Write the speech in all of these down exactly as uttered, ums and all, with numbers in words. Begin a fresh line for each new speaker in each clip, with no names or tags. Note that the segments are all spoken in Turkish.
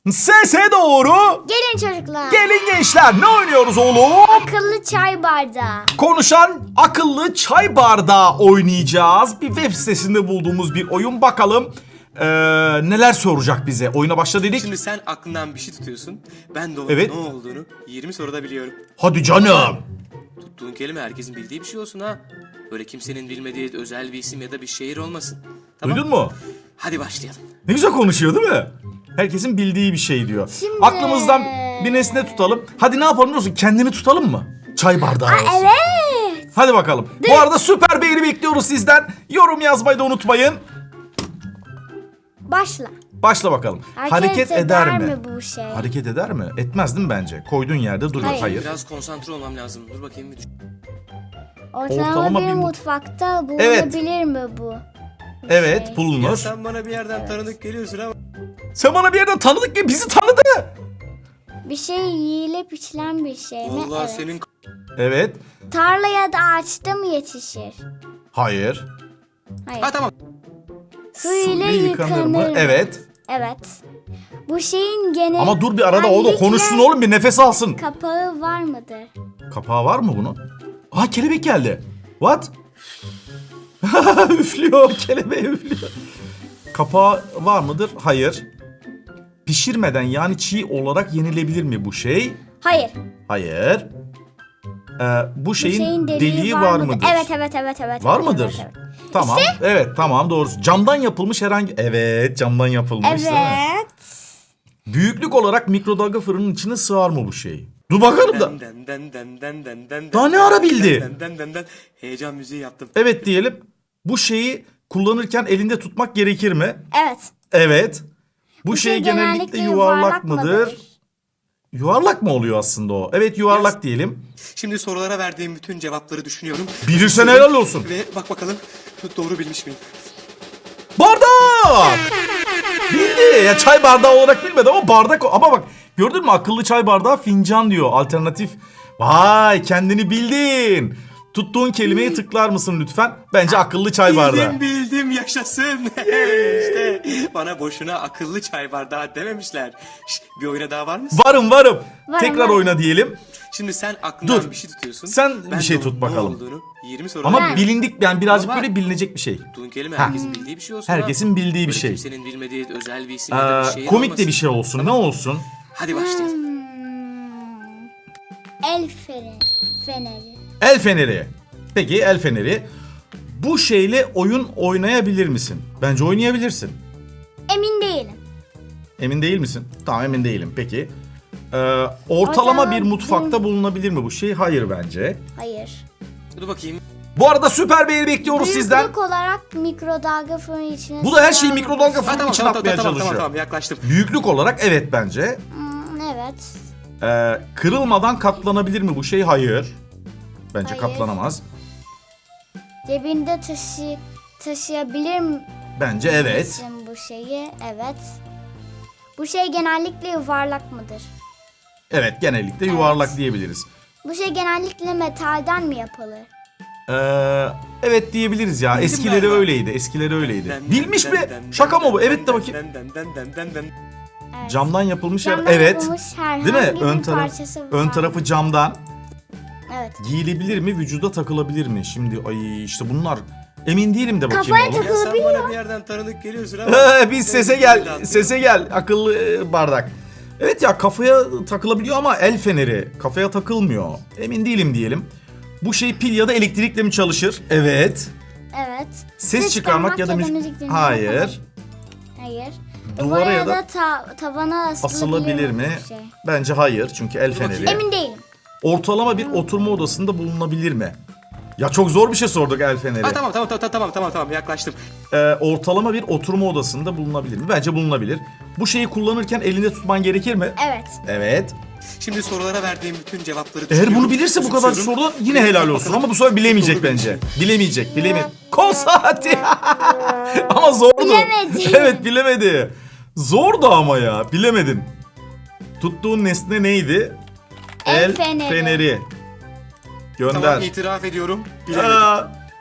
Sese doğru.
Gelin çocuklar.
Gelin gençler, ne oynuyoruz oğlum?
Akıllı çay bardağı.
Konuşan akıllı çay bardağı oynayacağız. Bir web sitesinde bulduğumuz bir oyun. Bakalım ee, neler soracak bize. Oyuna başla dedik.
Şimdi sen aklından bir şey tutuyorsun. Ben de onun
Evet.
ne olduğunu yirmi soruda biliyorum.
Hadi canım.
Tuttuğun kelime herkesin bildiği bir şey olsun ha. Böyle kimsenin bilmediği özel bir isim ya da bir şehir olmasın. Tamam.
Duydun mu?
Hadi başlayalım.
Ne güzel konuşuyor değil mi? Herkesin bildiği bir şey diyor.
Şimdi-
Aklımızdan bir nesne tutalım. Hadi ne yapalım biliyor musun? Kendini tutalım mı? Çay bardağı olsun.
Evet.
Hadi bakalım. Bu arada süper beğeni bekliyoruz sizden. Yorum yazmayı da unutmayın.
Başla.
Başla bakalım.
Hareket,
Hareket eder, mi?
bu şey?
Hareket eder mi? Etmez değil mi bence? Koyduğun yerde duruyor. Hayır.
Hayır.
Biraz konsantre olmam lazım. Dur bakayım bir düşün.
Ortalama,
Ortalama
bir
bir mut-
mutfakta
Evet.
bulunabilir mi bu? bu
Evet,
şey?
bulunur.
Ya sen bana bir yerden tanıdık geliyorsun ama.
Sen bana bir yerden tanıdık ki bizi tanıdı.
Bir şey yiyilip içilen bir şey mi?
Vallahi
Evet.
senin
Evet.
Tarla ya da ağaçta mı yetişir?
Hayır.
Hayır.
Ha tamam.
Su ile
Su
yıkanır mı?
Evet.
Evet. Bu şeyin genel...
Ama dur bir arada o da konuşsun oğlum, bir nefes alsın.
Kapağı var mıdır?
Kapağı var mı bunun? Aa, kelebek geldi. What? Üflüyor, kelebeği üflüyor. Kapağı var mıdır? Hayır. Pişirmeden yani çiğ olarak yenilebilir mi bu şey?
Hayır.
Hayır. Ee, bu
Bu
şeyin, deliği, var mıdır?
Evet evet evet evet.
Var
evet,
mıdır?
Evet. evet.
Tamam. Evet, tamam, doğrusu. Camdan yapılmış herhangi... Evet, camdan yapılmış değil mi?
Evet.
Büyüklük olarak mikrodalga fırının içine sığar mı bu şey? Dur bakalım da.
Den den den den den den.
Daha ne ara bildi?
Den den den den. Heyecan müziği yaptım.
Evet diyelim. Bu şeyi kullanırken elinde tutmak gerekir mi?
Evet.
Evet. Bu,
Bu
şey,
şey
genellikle,
genellikle
yuvarlak,
yuvarlak
mıdır?
mıdır?
Yuvarlak mı oluyor aslında o? Evet, yuvarlak
Yes.
diyelim.
Şimdi sorulara verdiğim bütün cevapları düşünüyorum.
Bilirsen helal olsun.
Ve bak bakalım doğru bilmiş miyim?
Bardak! Bildi. Ya çay bardağı olarak bilmedi ama bardak o. Ama bak, gördün mü, akıllı çay bardağı fincan diyor. Alternatif. Vay, kendini bildin. Tuttuğun kelimeyi tıklar mısın lütfen? Bence akıllı çay bardağı.
Bildim bildim yaşasın. İşte bana boşuna akıllı çay bardağı dememişler. Şş, bir oyuna daha var mısın?
Varım varım.
Varım,
Tekrar
varım.
oyna diyelim.
Şimdi sen aklından
Dur.
bir şey tutuyorsun.
Sen bir şey
de
tut
onun
bakalım.
Ne olduğunu yirmi soruda
Ama
biliyorum.
bilindik, yani birazcık
Ama-
böyle bilinecek bir şey.
Tuttuğun kelime
Ha.
herkesin bildiği bir şey olsun.
Herkesin
ha.
bildiği bir
Böyle
şey.
Kimsenin bilmediği özel bir isim ya da bir
Ee,
şey
komik
olmasın.
de bir şey olsun. Ne olsun?
Hadi başlayalım.
Hmm. El feneri. Feneri.
El feneri. Peki, el feneri. Bu şeyle oyun oynayabilir misin? Bence oynayabilirsin.
Emin değilim.
Emin değil misin? Tamam, emin değilim. Peki. Ee, ortalama
Ortalama
bir
bir-
mutfakta bulunabilir mi bu şey? Hayır bence.
Hayır.
Dur bakayım.
Bu arada süper beğeni bekliyoruz sizden.
Büyüklük olarak mikrodalga fırını içine...
Bu da her şeyi
sığar mı?
mikrodalga
Ha,
fırının
tamam,
içine
tamam,
atmaya
tamam, tamam,
çalışıyor.
tamam, yaklaştım.
Büyüklük olarak evet bence.
Hmm, evet.
Ee, kırılmadan katlanabilir mi bu şey? Hayır. Bence
Hayır.
katlanamaz.
Cebinde taşı taşıyabilir mi?
Bence evet.
misin bu şeyi? Evet. Bu şey genellikle yuvarlak mıdır?
Evet, genellikle yuvarlak diyebiliriz.
Bu şey genellikle metalden mi yapılır?
Ee, evet diyebiliriz ya.
Bildim
Eskileri
galiba.
öyleydi. Eskileri öyleydi.
Den, den,
Bilmiş
den,
mi?
den,
Şaka
den,
mı bu?
den,
Evet de
den,
bakayım.
den, den, den, den, den, den.
Evet.
Camdan yapılmış yer.
Camdan
Evet.
yapılmış herhangi
Değil mi?
bir
Ön taraf,
parçası
ön
var.
tarafı camdan.
Evet.
Giyilebilir mi? Vücuda takılabilir mi? Şimdi ay işte bunlar, emin değilim de bakayım
Kafaya
oğlum.
takıl-
Ya sen
Olabiliyor.
bana bir yerden tanıdık geliyorsun ama.
Ee, Biz sese
Benim
gel.
dağıtıyor.
Sese gel. Akıllı e, bardak. Evet ya, kafaya takılabiliyor ama el feneri kafaya takılmıyor. Emin değilim diyelim. Bu şey pil ya da elektrikle mi çalışır? Evet.
Evet.
Ses çıkarmak ya da müzik-
dinlemek
Hayır.
yapılır. Hayır.
Duvara
Duvara
ya
ya
da
da ta- tavana asılabilir,
Asılabilir mi?
bu şey?
Bence hayır, çünkü el
bakayım.
feneri.
Emin değilim.
Ortalama bir oturma odasında bulunabilir mi? Ya çok zor bir şey sorduk, el feneri.
Ha, tamam tamam tamam tamam tamam tamam yaklaştım.
Ee, ortalama bir oturma odasında bulunabilir mi? Bence bulunabilir. Bu şeyi kullanırken elinde tutman gerekir mi?
Evet.
Evet.
Şimdi sorulara verdiğim bütün cevapları
Eğer
düşünüyorum,
bunu bilirse bu kadar
özümsüyorum.
sorudan yine helal olsun. Ama bu sefer bilemeyecek
Doğru
bence. Bilemeyecek, bilemeyecek. Kol saati. Ama zordu.
Bilemedi.
Evet, bilemedi. Zordu ama ya, bilemedin. Tuttuğun nesne neydi?
El feneri.
feneri. Gönder.
Tamam, itiraf ediyorum. Bilemedim.
Aa,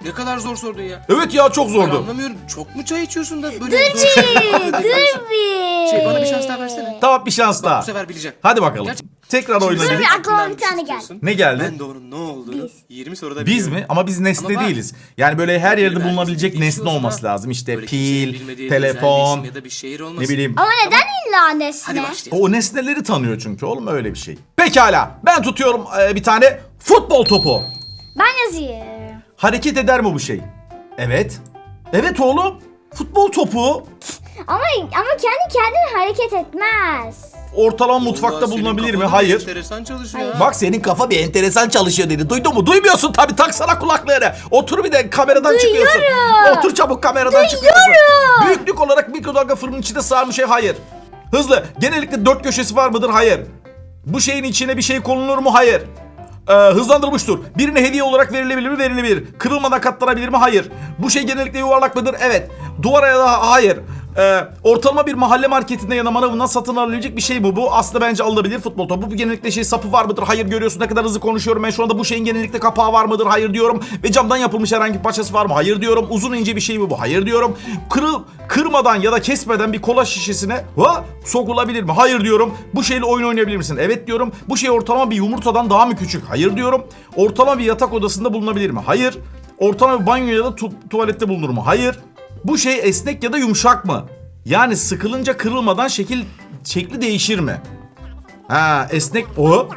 Ne kadar zor sordun ya.
Evet ya, çok
Ben
zordu.
anlamıyorum. Çok mu çay içiyorsun da böyle
Dur
zor şeyler-
bir, dur bir.
Şey, bana bir şans daha versene.
Tamam, bir şans
Bak,
daha.
bu sefer bileceğim.
Hadi bakalım.
Gerçi-
Tekrar oyna
Şimdi
dedik.
bir aklıma
aklından
bir tane
şey
geldi.
tutuyorsun.
Ne geldi?
Ben de onun ne olduğunu
Biz.
yirmi soruda
Biz
biliyorum.
mi? Ama biz nesne
Ama bak,
değiliz. Yani böyle her yerde
Herkesin
bulunabilecek
bildiği
nesne
şey olsun
olması
ha.
lazım. İşte
Böyle kimsenin
pil,
bilmediği bir özel bir
telefon,
isim ya da bir şehir olmasın.
ne bileyim.
Ama neden illa
Hadi
nesne?
başlayalım.
O nesneleri tanıyor çünkü oğlum, öyle bir şey. Pekala, ben tutuyorum e, bir tane futbol topu.
Ben yazayım.
Hareket eder mi bu şey? Evet. Evet oğlum. Futbol topu
Ama ama kendi kendine hareket etmez.
ortalama mutfakta
Vallahi senin
bulunabilir mi?
kafan
Hayır.
Enteresan çalışıyor.
Hayır.
ha.
Bak, senin kafa bir enteresan çalışıyor dedi. Duydun mu? Duymuyorsun tabii. Taksana kulaklarını. Otur, bir de kameradan çıkıyorsun. Otur çabuk, kameradan çıkıyorsun. Büyüklük olarak mikrodalga fırının içinde sığar mı şey? Hayır. Hızlı. Genellikle dört köşesi var mıdır? Hayır. Bu şeyin içine bir şey konulur mu? Hayır. Ee, hızlandırılmış tur. Birine hediye olarak verilebilir mi? Verilebilir. Kırılmadan katlanabilir mi? Hayır. Bu şey genellikle yuvarlak mıdır? Evet. Duvara ya da hayır. Ee, ortalama bir mahalle marketinde ya da manavından satın alınabilecek bir şey bu. Bu aslında bence alınabilir futbol topu. Bu genellikle şey, sapı var mıdır? Hayır. Görüyorsun ne kadar hızlı konuşuyorum ben şu anda. Bu şeyin genellikle kapağı var mıdır? Hayır diyorum. Ve camdan yapılmış herhangi bir parçası var mı? Hayır diyorum. Uzun ince bir şey mi bu? Hayır diyorum. Kırıl, kırmadan ya da kesmeden bir kola şişesine ha, sokulabilir mi? Hayır diyorum. Bu şeyle oyun oynayabilir misin? Evet diyorum. Bu şey ortalama bir yumurtadan daha mı küçük? Hayır diyorum. Ortalama bir yatak odasında bulunabilir mi? Hayır. Ortalama bir banyo ya da tu- tuvalette bulunur mu? Hayır. Bu şey esnek ya da yumuşak mı? Yani sıkılınca kırılmadan şekil şekli değişir mi? Ha, esnek o.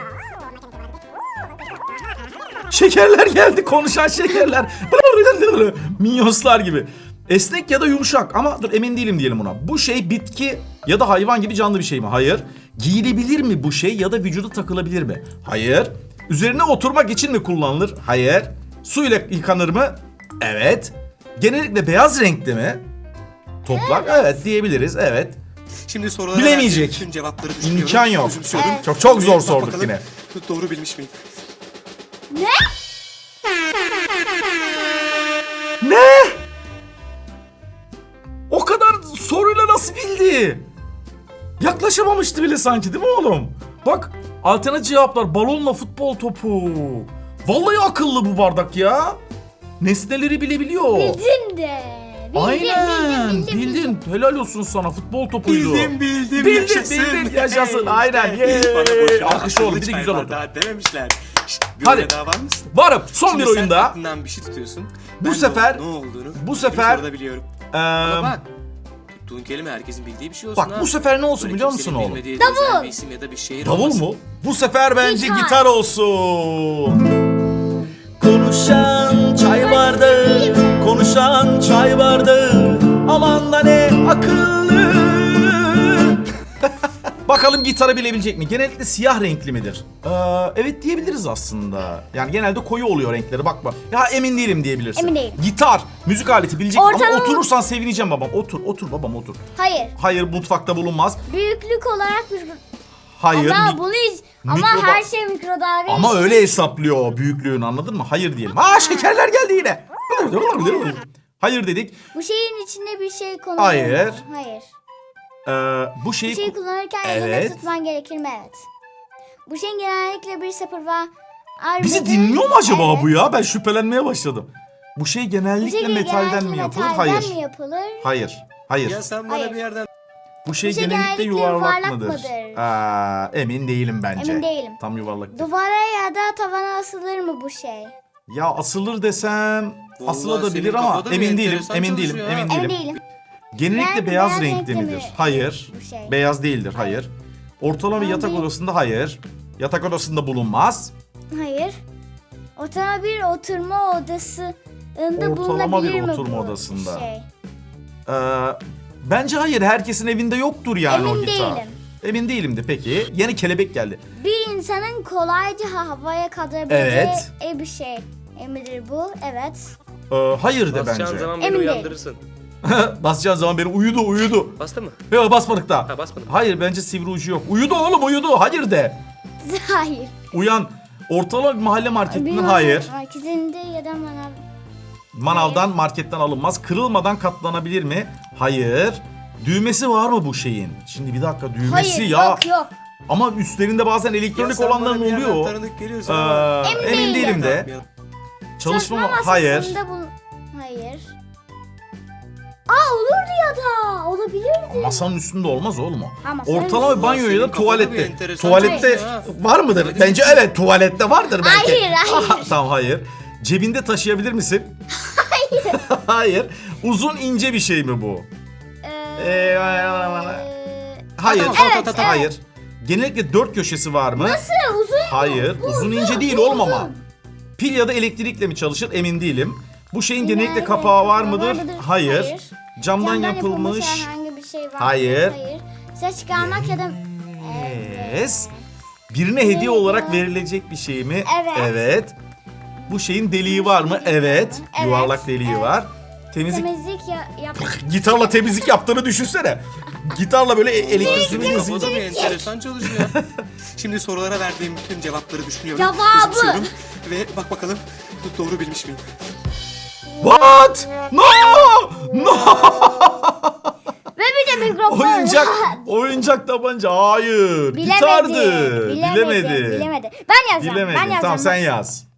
Şekerler geldi, konuşan şekerler. Minyonslar gibi. Esnek ya da yumuşak ama dur, emin değilim diyelim ona. Bu şey bitki ya da hayvan gibi canlı bir şey mi? Hayır. Giyilebilir mi bu şey ya da vücuda takılabilir mi? Hayır. Üzerine oturmak için mi kullanılır? Hayır. Suyla yıkanır mı? Evet. Genellikle beyaz renkli mi? Toplar? Evet, diyebiliriz. Evet.
Şimdi sorulara
Bilemeyecek.
verdiğim tüm cevapları düşünüyorum.
İmkan yok.
Özümsüyorum.
Çok çok zor
Bak
sorduk
bakalım,
yine.
Doğru bilmiş miyim?
Ne?
Ne? O kadar soruyla nasıl bildi? Yaklaşamamıştı bile sanki, değil mi oğlum? Bak, alternatif cevaplar: balonla futbol topu. Vallahi akıllı bu bardak ya. Nesneleri bilebiliyor.
Bildin de. Bildin,
Aynen.
bildin, bildin,
Bildin.
bildin.
Helal olsun sana, futbol topuydu.
Bildim bildim
Bildin,
yaşasın.
bildin, yaşasın.
Hey,
Aynen.
hey.
Yay.
Bana boşuna
Alkış oğlum,
akıllı
bir de
çay
güzel oldu.
bardağı dememişler. Şşt, bir
Hadi.
oyuna daha var mısın?
Varım. Son
Şimdi
bir
sen
oyunda.
aklından bir şey tutuyorsun.
Bu
Ben de
sefer-
onun ne olduğunu
bu
bir
sefer-
soruda biliyorum.
Eee,
Ama bak, tuttuğun kelime herkesin bildiği bir şey olsun
bak
ha.
bu sefer ne olsun
Böyle
biliyor musun
kimsenin
oğlum?
bilmediği
Davul.
özel bir isim ya da bir şehir
Davul
olmasın.
mu? Bu sefer bence
Gitar.
gitar olsun. Konuşan çay bardağı, konuşan çay bardağı, aman da ne akıllı. Bakalım gitarı bilebilecek mi? Genellikle siyah renkli midir? Ee, evet diyebiliriz aslında. Yani genelde koyu oluyor renkleri, bakma. Ya emin değilim diyebilirsin.
Emin değilim.
Gitar, müzik aleti bilecek
Ortalama-
ama oturursan sevineceğim babam. Otur, otur babam otur.
Hayır.
Hayır, mutfakta bulunmaz.
Büyüklük olarak bir...
Hayır.
Ama
mi-
bunu hiç... Ama
mikroba-
her şey mikrodalga.
Ama öyle hesaplıyor o büyüklüğünü, anladın mı? Hayır diyelim. Aa, şekerler geldi yine. Hayır dedik.
Bu şeyin içinde bir şey konulur
Hayır.
mu? Hayır.
Ee, bu şeyi...
Bu şeyi kullanırken
Evet.
elinde tutman gerekir mi? Evet. Bu şeyin genellikle bir sıfır var.
Bizi
Arbede-
dinliyor mu acaba
Evet.
bu ya? Ben şüphelenmeye başladım. Bu şey
Bu
genellikle
şey
metalden
genellikle
mi yapılır?
metalden
Hayır.
mi yapılır?
Hayır. Hayır.
Ya sen bana
Hayır.
bir yerden
Bu şey,
Bu şey
genellikle
genellikle
yuvarlak,
yuvarlak
mıdır?
mıdır?
Aa, emin değilim bence.
Emin değilim.
Tam yuvarlak değil.
Duvara ya da tavana asılır mı bu şey?
Ya asılır desem
Vallahi
asılabilir
senin
ama
kafada bir
emin değilim.
enteresan
Emin değilim.
çalışıyor ha.
Emin
Emin
değilim.
değilim.
Genellikle
Yani
beyaz,
beyaz
renkli
renkli
midir?
mi?
Hayır.
Bu şey.
Beyaz değildir. Hayır. Ortalama bir
Tamam,
yatak
değil.
odasında hayır. Yatak odasında bulunmaz.
Hayır. Ortalama bir oturma odasında
Ortalama
bulunabilir
bir
mi
oturma
bu
odasında.
şey?
Ee, bence hayır. Herkesin evinde yoktur yani o
Emin
gitar.
değilim.
Emin değilim de peki. Yeni kelebek geldi.
Bir insanın kolayca havaya kaldırabileceği
Evet.
bir şey. Emidir bu. Evet.
Ee, hayır de
basacağın
bence.
zaman beni
Emin değilim.
uyandırırsın.
Basacağın zaman beni uyudu uyudu.
Bastı mı?
Yok, basmadık daha.
Ha, basmadım.
Hayır, bence sivri ucu yok. Uyudu oğlum, uyudu. Hayır de.
Hayır.
Uyan. Ortalama bir mahalle marketinden
Bir
hayır.
marketinde ya da manav.
Manavdan, marketten alınmaz. Kırılmadan katlanabilir mi? Hayır. Düğmesi var mı bu şeyin? Şimdi bir dakika, düğmesi
Hayır
ya.
yok yok.
Ama üstlerinde bazen
Ya
elektronik
sen bana
olanların
bir yerden
oluyor.
tanıdık geliyorsun
Ee,
ama.
Emin
emin
değilim.
değilim de. Çalışma mı?
masasında
Hayır.
bul- Hayır. Aa olurdu ya da. Olabilirdi.
Masanın üstünde olmaz oğlum o.
Ha, masanın
Ortalama bir banyo ya da
Senin kafada bir
tuvalette.
enteresan
Tuvalette
çalışıyor ha.
var mıdır? Bence evet, tuvalette vardır belki.
Hayır, hayır.
Tamam, hayır. Cebinde taşıyabilir misin? Hayır. Hayır. Uzun ince bir şey mi bu?
Ee,
Ee, Hayır.
Tamam, tamam,
Evet,
tamam, tamam.
Hayır. Genellikle dört köşesi var mı?
Nasıl? Uzun.
Hayır. Uzun ince değil oğlum ama. Pil ya da elektrikle mi çalışır emin değilim. Bu şeyin genellikle
Nerede?
kapağı var mıdır?
Vardır.
Hayır.
Hayır.
Camdan yapılmış.
herhangi bir şey var mı?
Hayır.
Hayır. Ses çıkarmak ya da...
Yes. Birine hediye olarak verilecek bir şey mi?
Evet.
Evet. Bu şeyin deliği var mı? Evet.
Evet.
Yuvarlak deliği
Evet.
var. Temizlik.
Temizlik ya, yap.
Gitarla temizlik yaptığını düşünsene. Gitarla böyle e- elektrikli
Senin
müzik.
kafada bir enteresan çalışıyor. Şimdi sorulara verdiğim bütün cevapları düşünüyorum.
Cevabı.
küçümsüyorum Ve bak bakalım doğru bilmiş miyim?
What? No! No!
Ve bir de mikrofon.
Oyuncak, oyuncak tabanca. Hayır.
Bilemedi.
Gitardı.
Bilemedi.
Bilemedi.
Bilemedi. Ben yazacağım.
Bilemedi.
Ben yazacağım.
Tamam sen yaz.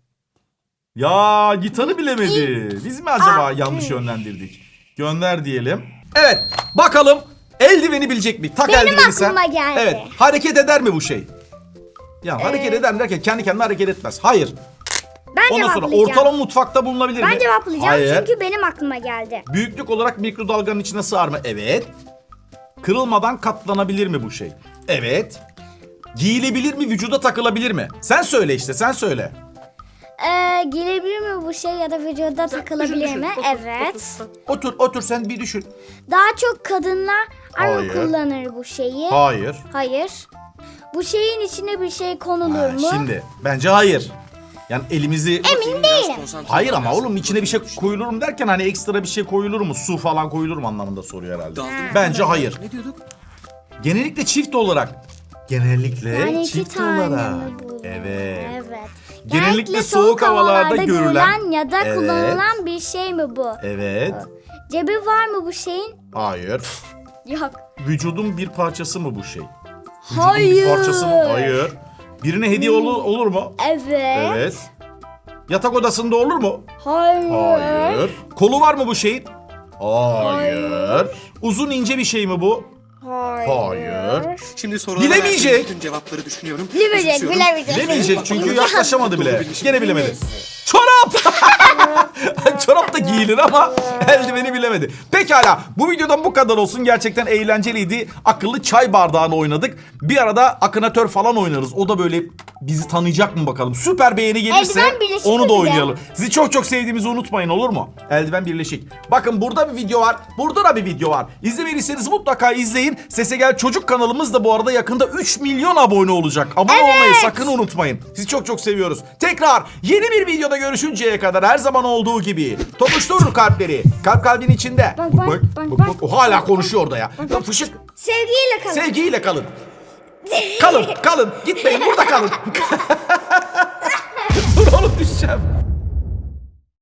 Ya gitarı bilemedi. Biz mi acaba
Aa,
yanlış
evet.
yönlendirdik? Gönder diyelim. Evet bakalım eldiveni bilecek mi? Tak
Benim
eldiveni sen.
aklıma geldi.
Evet hareket eder mi bu şey? Ya hareket
Ee,
eder mi derken kendi kendine hareket etmez. Hayır.
Ben
Ondan sonra
cevaplayacağım.
ortalama mutfakta bulunabilir mi?
Ben cevaplayacağım
Hayır.
çünkü benim aklıma geldi.
Büyüklük olarak mikrodalganın içine sığar mı? Evet. Kırılmadan katlanabilir mi bu şey? Evet. Giyilebilir mi? Vücuda takılabilir mi? Sen söyle işte sen söyle.
Ee, giyilebilir mi bu şey ya da vücuda takılabilir mi? Evet.
Otur otur sen bir düşün.
Daha çok kadınlar mı
Hayır.
kullanır bu şeyi?
Hayır.
Hayır. Bu şeyin içine bir şey konulur
Ha,
mu?
şimdi bence hayır. Yani elimizi...
Emin
Biraz
değilim.
konsantre
Hayır
ol
ama
biraz.
oğlum içine bir şey koyulur mu derken hani ekstra bir şey koyulur mu? Su falan koyulur mu anlamında soruyor herhalde.
Daldın mı?
Bence hayır.
Ne diyorduk?
Genellikle çift olarak. Genellikle
Yani iki
çift
tane
olarak.
mi bu?
Evet.
Evet.
Genellikle soğuk havalarda görülen-
ya da
Evet.
kullanılan bir şey mi bu?
Evet.
Cebi var mı bu şeyin?
Hayır.
Yok.
Vücudun bir parçası mı bu şey? Vücudun
Hayır.
bir parçası mı? Hayır. Birine hediye olur, olur mu?
Evet.
Evet. Yatak odasında olur mu?
Hayır.
Hayır. Kolu var mı bu şeyin? Hayır. Uzun ince bir şey mi bu?
Hayır.
Hayır.
Şimdi sorulara
Bilemeyecek.
verdiğim bütün cevapları düşünüyorum.
Bilemeyecek,
küçümsüyorum.
bilemeyecek.
Bilemeyecek
Bak
çünkü
bakalım
yaklaşamadı
doğru
bile.
bilmiş
Gene
miyim?
bilemedi. Çorap! Çorap da giyilir ama eldiveni bilemedi. Pekala bu videodan bu kadar olsun. Gerçekten eğlenceliydi. Akıllı çay bardağını oynadık. Bir arada akınatör falan oynarız. O da böyle bizi tanıyacak mı bakalım. Süper beğeni gelirse
Eldiven birleşik
onu da
bir de.
oynayalım. Sizi çok çok sevdiğimizi unutmayın olur mu? Eldiven birleşik. Bakın burada bir video var. Burada da bir video var. İzlemediyseniz mutlaka izleyin. Sese Gel Çocuk kanalımız da bu arada yakında üç milyon abone olacak. Abone olmayı sakın unutmayın. Sizi çok çok seviyoruz. Tekrar yeni bir videoda görüşünceye kadar her zaman olduğu gibi tokuşturur kalpleri. Kalp kalbin içinde.
Bak, bak, bak, bak.
O hala konuşuyor orada ya. Ya fışık.
Sevgiyle kalın.
Sevgiyle kalın. Kalın, kalın. Gitmeyin, burada kalın.